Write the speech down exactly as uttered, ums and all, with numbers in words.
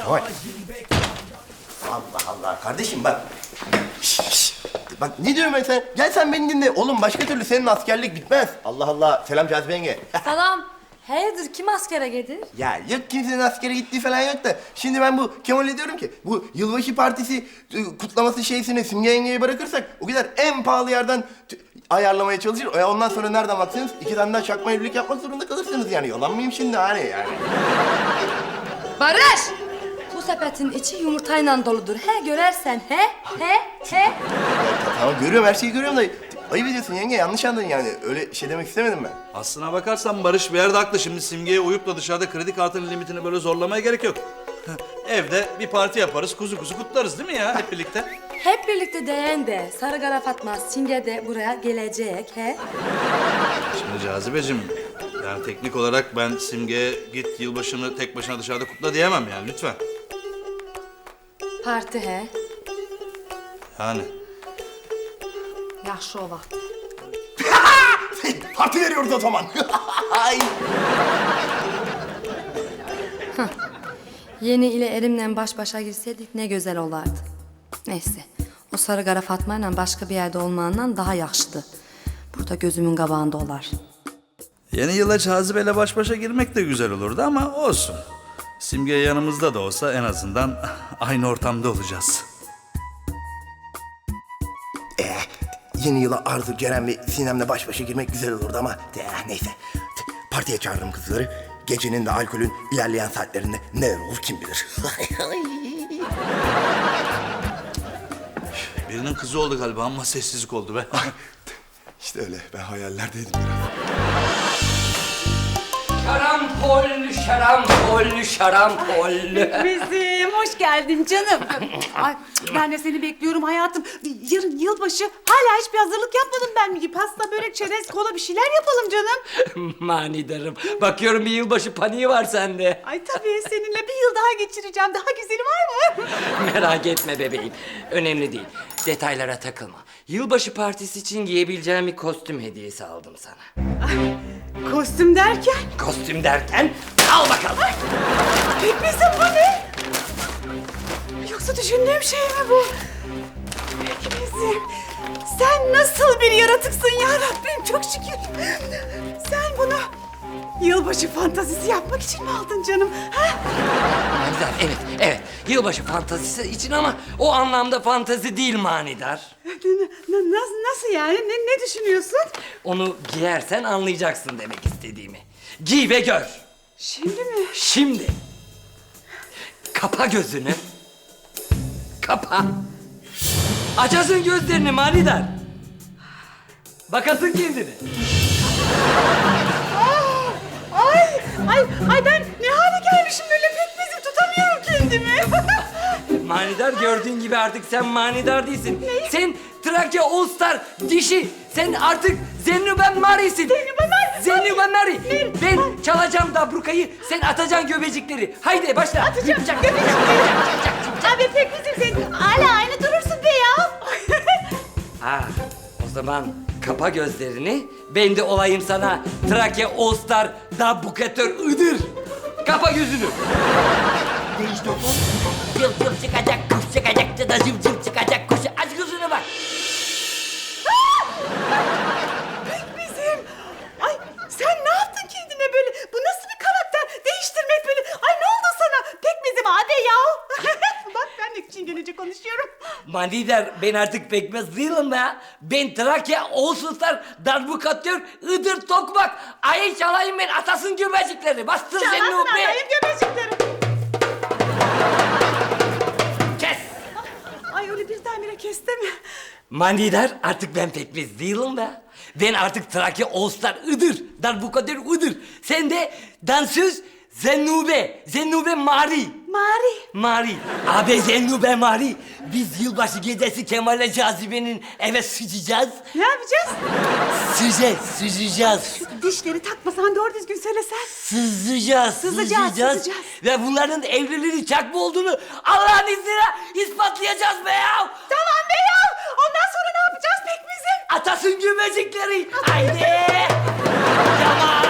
Kemal. Allah Allah. Kardeşim bak. Şş, şş. Bak ne diyorum ben sen? Gel sen beni dinle. Oğlum başka türlü senin askerlik bitmez. Allah Allah. Selam Cazibe yenge. Salam. Hayırdır kim askere gelir? Ya yok kimsenin askere gittiği falan yok da. Şimdi ben bu Kemal'e diyorum ki bu yılbaşı partisi e, kutlaması şeysini Simge yengeye bırakırsak o gider en pahalı yerden t- ayarlamaya çalışır. Ya ondan sonra nereden baksanız iki tane daha çakma evlilik yapmak zorunda kalırsınız yani. Yalan mıyım şimdi hani yani? Barış! Bu sepetin içi yumurtayla doludur. He görersen he, he, he. Ya, tamam görüyorum her şeyi görüyorum da ayıp ediyorsun yenge yanlış anladın yani. Öyle şey demek istemedim ben. Aslına bakarsan Barış bir yerde haklı. Şimdi Simge'ye uyup da dışarıda kredi kartının limitini böyle zorlamaya gerek yok. Evde bir parti yaparız, kuzu kuzu kutlarız değil mi ya hep birlikte? Hep birlikte değen de Sarı Kara Fatma Simge de buraya gelecek he. Şimdi Cazibeciğim, yani teknik olarak ben Simge'ye git yılbaşını tek başına dışarıda kutla diyemem yani lütfen. Parti he. Yani. Yaxşı o vaxt. Parti veriyoruz o zaman. Ay. Yeni ile erimle baş başa girseydik ne güzel olardı. Neyse. O Sarı Kara Fatma ile başka bir yerde olmağından daha yaxşıdır. Burada gözümün qabağında olar. Yeni yıla Cazibe'yle baş başa girmek de güzel olurdu ama olsun. Simge yanımızda da olsa en azından aynı ortamda olacağız. Ee, yeni yıla Arzu, Ceren ve Sinem'le baş başa girmek güzel olurdu ama eh, neyse. Partiye çağırdım kızları. Gecenin de alkolün ilerleyen saatlerinde neler olur kim bilir. Birinin kızı oldu galiba ama sessizlik oldu be. İşte öyle ben hayallerdeydim biraz. Şarampol, şarampol, şarampol. Bizim hoş geldin canım. Ay, ben de seni bekliyorum hayatım. Yarın yılbaşı hala hiçbir hazırlık yapmadım ben mi? Pasta, börek, çerez, kola bir şeyler yapalım canım. Manidarım. Bakıyorum bir yılbaşı paniği var sende. Ay tabii seninle bir yıl daha geçireceğim. Daha güzeli var mı? Merak etme bebeğim. Önemli değil. Detaylara takılma. Yılbaşı partisi için giyebileceğim bir kostüm hediyesi aldım sana. Kostüm derken? Kostüm derken al bakalım. Pekmezim bu ne? Yoksa düşündüğüm şey mi bu? Pekmezim. Sen nasıl bir yaratıksın ya Rabbim çok şükür. Sen bunu yılbaşı fantazisi yapmak için mi aldın canım? Ha? Manidar evet evet. Yılbaşı fantazisi için ama o anlamda fantazi değil manidar. N- n- nasıl, nasıl yani? Ne, ne düşünüyorsun? Onu giyersen anlayacaksın demek istediğimi. Giy ve gör. Şimdi mi? Şimdi. Kapa gözünü. Kapa. Açasın gözlerini manidar. Bakasın kendini. Ay, ay, ay ben ne hale gelmişim böyle pekmezim tutamıyorum kendimi. Manidar gördüğün gibi artık sen manidar değilsin. Sen Trakya All Star dişi. Sen artık Zennüben Mari'sin. Zennüben Mari. Zennüben Mari. Ne? Ben çalacağım dabrukayı. Sen atacaksın göbecikleri. Haydi başla. Atacağım göbecikleri. Abi pekmezim sen hala aynı durursun be ya. Ha, o zaman kapa gözlerini. Ben de olayım sana Trakya All Star dabrukatör Iğdır. Kapa gözünü. Değiş doktor. Cıv cıv çıkacak, kuş çıkacak, da cıv cıv çıkacak, kuş. Aç gözünü bak. Pekmezim. Ay sen ne yaptın kendine böyle? Bu nasıl bir karakter? Değiştirmek böyle. Ay ne oldu sana? Pekmezim abi ya. Bak ben de çingenece konuşuyorum. Manidar ben artık pekmez değilim be. Ben Trakya All Star darbukatör Iğdır Tokmak. Ayı çalayım ben atasın göbecikleri. Bastır Çalasın seni o be. adayım göbecikleri. Kes. Ay öyle birdenbire kesti mi? Manidar artık ben pekmez değilim be. Ben artık Trakya All Star Iğdır darbukatör Iğdır. Sen de dansöz Zennube. Zennube Mari. Mari. Mari. Abi Zennube Mari. Biz yılbaşı gecesi Kemal'le Cazibe'nin eve sıçacağız. Ne yapacağız? Sıcağız, sıcayacağız. Dişleri takmasan doğru düzgün söylesen. Sızacağız, Sızacağız, sızacağız. Ve bunların evliliğinin çakma olduğunu Allah'ın izniyle ispatlayacağız be ya. Tamam be ya. Ondan sonra ne yapacağız pekmezim? Atasın göbecikleri. Haydi. Tamam.